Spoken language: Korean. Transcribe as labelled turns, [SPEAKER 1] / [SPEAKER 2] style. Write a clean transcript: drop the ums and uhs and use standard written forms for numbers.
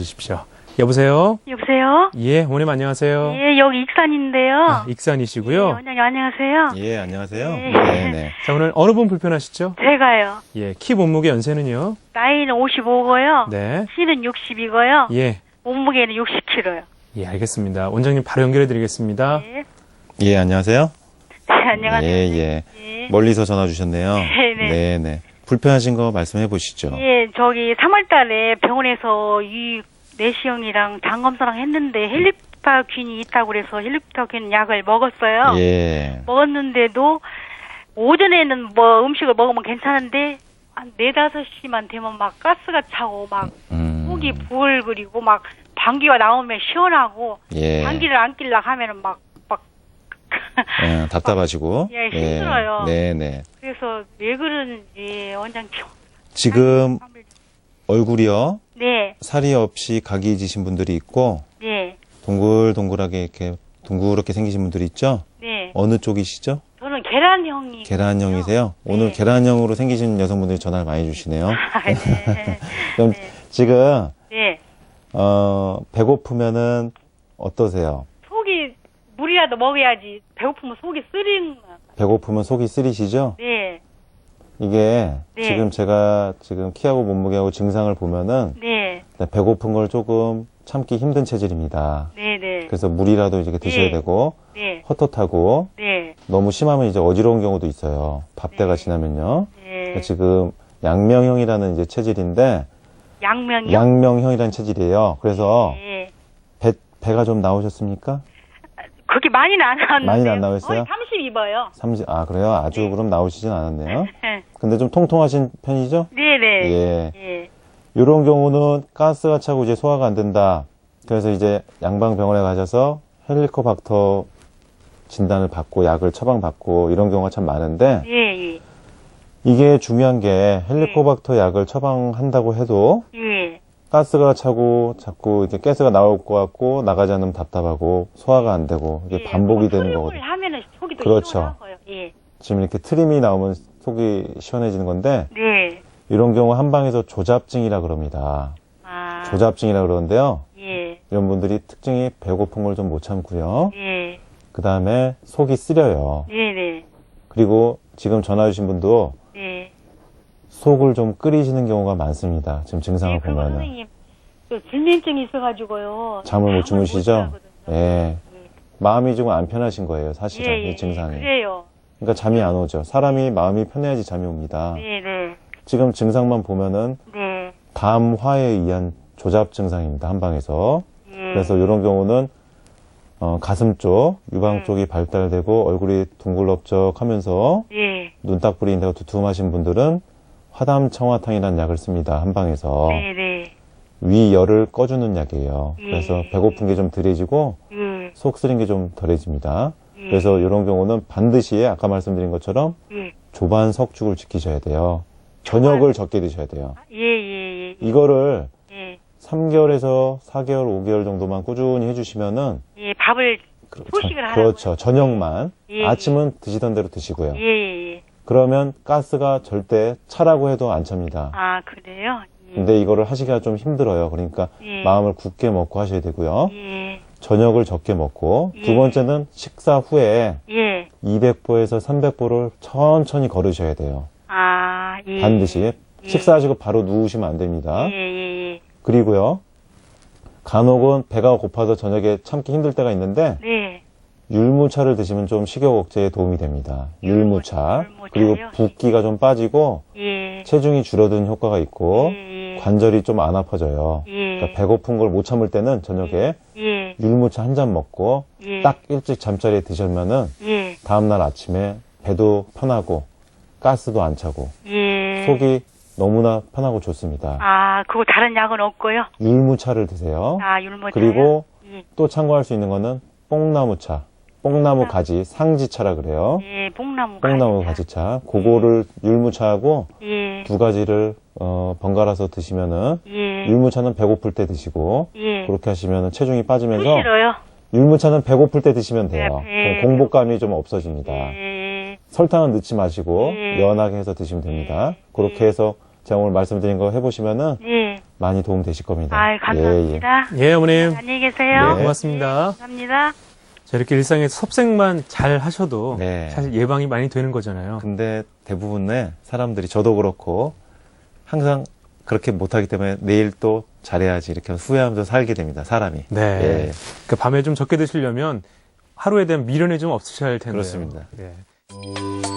[SPEAKER 1] 주십시오. 여보세요?
[SPEAKER 2] 여보세요?
[SPEAKER 1] 예, 어머님 안녕하세요.
[SPEAKER 2] 예, 여기 익산인데요.
[SPEAKER 1] 아, 익산이시고요.
[SPEAKER 2] 예, 원장님 안녕하세요.
[SPEAKER 3] 예, 안녕하세요.
[SPEAKER 2] 네.
[SPEAKER 3] 네.
[SPEAKER 1] 자, 오늘 어느 분 불편하시죠?
[SPEAKER 2] 제가요.
[SPEAKER 1] 예, 키 몸무게 연세는요?
[SPEAKER 2] 나이는 55고요.
[SPEAKER 1] 네.
[SPEAKER 2] 키는 60이고요.
[SPEAKER 1] 예.
[SPEAKER 2] 몸무게는 60kg요.
[SPEAKER 1] 예, 알겠습니다. 원장님 바로 연결해 드리겠습니다.
[SPEAKER 2] 예.
[SPEAKER 3] 예, 안녕하세요.
[SPEAKER 2] 네, 안녕하세요.
[SPEAKER 3] 예, 예.
[SPEAKER 2] 예.
[SPEAKER 3] 멀리서 전화 주셨네요.
[SPEAKER 2] 네네.
[SPEAKER 3] 네네. 불편하신 거 말씀해 보시죠.
[SPEAKER 2] 예, 저기 3월 달에 병원에서 이 내시경이랑 장검사랑 했는데 헬리파균이 있다고 그래서 헬리파균 약을 먹었어요.
[SPEAKER 3] 예.
[SPEAKER 2] 먹었는데도 오전에는 뭐 음식을 먹으면 괜찮은데 한 4, 5시만 되면 막 가스가 차고 막 속이 부글거리고 막 방귀가 나오면 시원하고
[SPEAKER 3] 예.
[SPEAKER 2] 방귀를 안 낄라 하면은 막
[SPEAKER 3] 예, 답답하시고.
[SPEAKER 2] 예, 힘들어요.
[SPEAKER 3] 네네.
[SPEAKER 2] 그래서 왜 그러는지 원장님.
[SPEAKER 3] 지금 얼굴이요.
[SPEAKER 2] 네,
[SPEAKER 3] 살이 없이 각이 지신 분들이 있고,
[SPEAKER 2] 네,
[SPEAKER 3] 동글동글하게 이렇게 둥그렇게 생기신 분들이 있죠?
[SPEAKER 2] 네.
[SPEAKER 3] 어느 쪽이시죠?
[SPEAKER 2] 저는 계란형이.
[SPEAKER 3] 계란형이세요? 오늘
[SPEAKER 2] 네.
[SPEAKER 3] 계란형으로 생기신 여성분들이 전화를 많이 주시네요.
[SPEAKER 2] 아, 네.
[SPEAKER 3] 그럼
[SPEAKER 2] 네.
[SPEAKER 3] 지금,
[SPEAKER 2] 네.
[SPEAKER 3] 배고프면은 어떠세요?
[SPEAKER 2] 속이 물이라도 먹어야지. 배고프면 속이 쓰린.
[SPEAKER 3] 배고프면 속이 쓰리시죠?
[SPEAKER 2] 네,
[SPEAKER 3] 이게
[SPEAKER 2] 네.
[SPEAKER 3] 지금 제가 지금 키하고 몸무게하고 증상을 보면은
[SPEAKER 2] 네,
[SPEAKER 3] 배고픈 걸 조금 참기 힘든 체질입니다.
[SPEAKER 2] 네, 네,
[SPEAKER 3] 그래서 물이라도 이렇게 드셔야
[SPEAKER 2] 네.
[SPEAKER 3] 되고
[SPEAKER 2] 네,
[SPEAKER 3] 헛헛하고
[SPEAKER 2] 네,
[SPEAKER 3] 너무 심하면 이제 어지러운 경우도 있어요. 밥때가
[SPEAKER 2] 네.
[SPEAKER 3] 지나면요.
[SPEAKER 2] 네.
[SPEAKER 3] 지금 양명형이라는 이제 체질인데
[SPEAKER 2] 양명이요?
[SPEAKER 3] 양명형이라는 체질이에요. 그래서
[SPEAKER 2] 네.
[SPEAKER 3] 배가 좀 나오셨습니까?
[SPEAKER 2] 그렇게 많이는 안 나왔는데.
[SPEAKER 3] 많이는 안 나오셨어요?
[SPEAKER 2] 32봐요.
[SPEAKER 3] 30, 그래요? 아주
[SPEAKER 2] 네.
[SPEAKER 3] 그럼 나오시진 않았네요. 근데 좀 통통하신 편이죠?
[SPEAKER 2] 네네.
[SPEAKER 3] 예.
[SPEAKER 2] 예.
[SPEAKER 3] 이런 경우는 가스가 차고 이제 소화가 안 된다. 그래서 이제 양방병원에 가셔서 헬리코박터 진단을 받고 약을 처방받고 이런 경우가 참 많은데
[SPEAKER 2] 예, 예.
[SPEAKER 3] 이게 중요한 게 헬리코박터 약을 처방한다고 해도
[SPEAKER 2] 예.
[SPEAKER 3] 가스가 차고 자꾸 이렇게 가스가 나올 것 같고 나가지 않으면 답답하고 소화가 안 되고 이게
[SPEAKER 2] 예.
[SPEAKER 3] 반복이 되는
[SPEAKER 2] 소용을
[SPEAKER 3] 거거든요.
[SPEAKER 2] 하면은 속이 더
[SPEAKER 3] 그렇죠.
[SPEAKER 2] 시원하고요. 예.
[SPEAKER 3] 지금 이렇게 트림이 나오면 속이 시원해지는 건데
[SPEAKER 2] 네.
[SPEAKER 3] 이런 경우 한방에서 조잡증이라 그럽니다.
[SPEAKER 2] 아.
[SPEAKER 3] 조잡증이라 그러는데요.
[SPEAKER 2] 예.
[SPEAKER 3] 이런 분들이 특징이 배고픈 걸 좀 못 참고요.
[SPEAKER 2] 예.
[SPEAKER 3] 그 다음에 속이 쓰려요.
[SPEAKER 2] 네네.
[SPEAKER 3] 그리고 지금 전화 주신 분도
[SPEAKER 2] 네.
[SPEAKER 3] 속을 좀 끓이시는 경우가 많습니다. 지금 증상을
[SPEAKER 2] 예, 그리고
[SPEAKER 3] 보면은.
[SPEAKER 2] 선생님, 저 불면증이 있어가지고요.
[SPEAKER 3] 잠을 못 주무시죠?
[SPEAKER 2] 하거든요.
[SPEAKER 3] 예. 마음이 좀 안 편하신 거예요, 사실은.
[SPEAKER 2] 예, 예,
[SPEAKER 3] 이 증상이.
[SPEAKER 2] 그래요.
[SPEAKER 3] 그러니까 잠이 안 오죠. 사람이 마음이 편해야지 잠이 옵니다.
[SPEAKER 2] 네네.
[SPEAKER 3] 지금 증상만 보면은
[SPEAKER 2] 네.
[SPEAKER 3] 담화에 의한 조잡 증상입니다. 한방에서.
[SPEAKER 2] 예.
[SPEAKER 3] 그래서 이런 경우는 가슴 쪽, 유방 쪽이 발달되고 얼굴이 둥글럽적하면서
[SPEAKER 2] 예.
[SPEAKER 3] 눈딱 부리는 데가 두툼하신 분들은 화담청화탕이라는 약을 씁니다. 한방에서.
[SPEAKER 2] 네네.
[SPEAKER 3] 위열을 꺼주는 약이에요.
[SPEAKER 2] 예.
[SPEAKER 3] 그래서 배고픈 게 좀 덜해지고
[SPEAKER 2] 예.
[SPEAKER 3] 속 쓰린 게 좀 덜해집니다.
[SPEAKER 2] 예.
[SPEAKER 3] 그래서 이런 경우는 반드시 아까 말씀드린 것처럼
[SPEAKER 2] 예.
[SPEAKER 3] 조반 석죽을 지키셔야 돼요. 저녁을 적게 드셔야 돼요.
[SPEAKER 2] 예, 예, 예.
[SPEAKER 3] 이거를
[SPEAKER 2] 예.
[SPEAKER 3] 3개월에서 4개월, 5개월 정도만 꾸준히 해주시면은
[SPEAKER 2] 예, 밥을 소식을 하라고요?
[SPEAKER 3] 그렇죠. 저녁만
[SPEAKER 2] 예,
[SPEAKER 3] 아침은 드시던 대로 드시고요.
[SPEAKER 2] 예, 예, 예.
[SPEAKER 3] 그러면 가스가 절대 차라고 해도 안 찹니다.
[SPEAKER 2] 아, 그래요? 예.
[SPEAKER 3] 근데 이거를 하시기가 좀 힘들어요. 그러니까
[SPEAKER 2] 예.
[SPEAKER 3] 마음을 굳게 먹고 하셔야 되고요.
[SPEAKER 2] 예.
[SPEAKER 3] 저녁을 적게 먹고
[SPEAKER 2] 예.
[SPEAKER 3] 두 번째는 식사 후에
[SPEAKER 2] 예.
[SPEAKER 3] 200보에서 300보를 천천히 걸으셔야 돼요.
[SPEAKER 2] 아, 예.
[SPEAKER 3] 반드시.
[SPEAKER 2] 예.
[SPEAKER 3] 식사하시고 바로 누우시면 안 됩니다.
[SPEAKER 2] 예, 예, 예.
[SPEAKER 3] 그리고요. 간혹은 배가 고파서 저녁에 참기 힘들 때가 있는데
[SPEAKER 2] 네.
[SPEAKER 3] 율무차를 드시면 좀 식욕 억제에 도움이 됩니다. 율무차.
[SPEAKER 2] 율무차요?
[SPEAKER 3] 그리고 붓기가 좀 빠지고
[SPEAKER 2] 예.
[SPEAKER 3] 체중이 줄어드는 효과가 있고
[SPEAKER 2] 예, 예.
[SPEAKER 3] 관절이 좀 안 아파져요.
[SPEAKER 2] 예.
[SPEAKER 3] 그러니까 배고픈 걸 못 참을 때는 저녁에
[SPEAKER 2] 예.
[SPEAKER 3] 율무차 한 잔 먹고
[SPEAKER 2] 예.
[SPEAKER 3] 딱 일찍 잠자리에 드시면은
[SPEAKER 2] 예.
[SPEAKER 3] 다음날 아침에 배도 편하고 가스도 안 차고
[SPEAKER 2] 예.
[SPEAKER 3] 속이 너무나 편하고 좋습니다.
[SPEAKER 2] 아, 그거 다른 약은 없고요?
[SPEAKER 3] 율무차를 드세요.
[SPEAKER 2] 아, 율무차요?
[SPEAKER 3] 그리고
[SPEAKER 2] 예.
[SPEAKER 3] 또 참고할 수 있는 거는 뽕나무차, 뽕나무 가지, 상지차라 그래요.
[SPEAKER 2] 예, 뽕나무
[SPEAKER 3] 뽕나무 가지차. 그거를 율무차하고
[SPEAKER 2] 예.
[SPEAKER 3] 두 가지를 번갈아서 드시면은
[SPEAKER 2] 예.
[SPEAKER 3] 율무차는 배고플 때 드시고
[SPEAKER 2] 예.
[SPEAKER 3] 그렇게 하시면은 체중이 빠지면서
[SPEAKER 2] 싫어요?
[SPEAKER 3] 율무차는 배고플 때 드시면 돼요.
[SPEAKER 2] 네,
[SPEAKER 3] 그럼 공복감이 좀 없어집니다.
[SPEAKER 2] 예.
[SPEAKER 3] 설탕은 넣지 마시고
[SPEAKER 2] 예.
[SPEAKER 3] 연하게 해서 드시면 됩니다. 그렇게 해서 제가 오늘 말씀드린 거 해보시면은
[SPEAKER 2] 예.
[SPEAKER 3] 많이 도움 되실 겁니다.
[SPEAKER 2] 아, 감사합니다.
[SPEAKER 1] 예, 어머님.
[SPEAKER 2] 안녕히 계세요.
[SPEAKER 3] 네.
[SPEAKER 1] 고맙습니다.
[SPEAKER 2] 감사합니다.
[SPEAKER 1] 자, 이렇게 일상에서 섭생만 잘 하셔도
[SPEAKER 3] 네.
[SPEAKER 1] 사실 예방이 많이 되는 거잖아요.
[SPEAKER 3] 근데 대부분의 사람들이 저도 그렇고 항상 그렇게 못하기 때문에 내일 또 잘해야지 이렇게 후회하면서 살게 됩니다. 사람이.
[SPEAKER 1] 네.
[SPEAKER 3] 예.
[SPEAKER 1] 그 밤에 좀 적게 드시려면 하루에 대한 미련이 좀 없으셔야 할 텐데요.
[SPEAKER 3] 그렇습니다.
[SPEAKER 1] 예.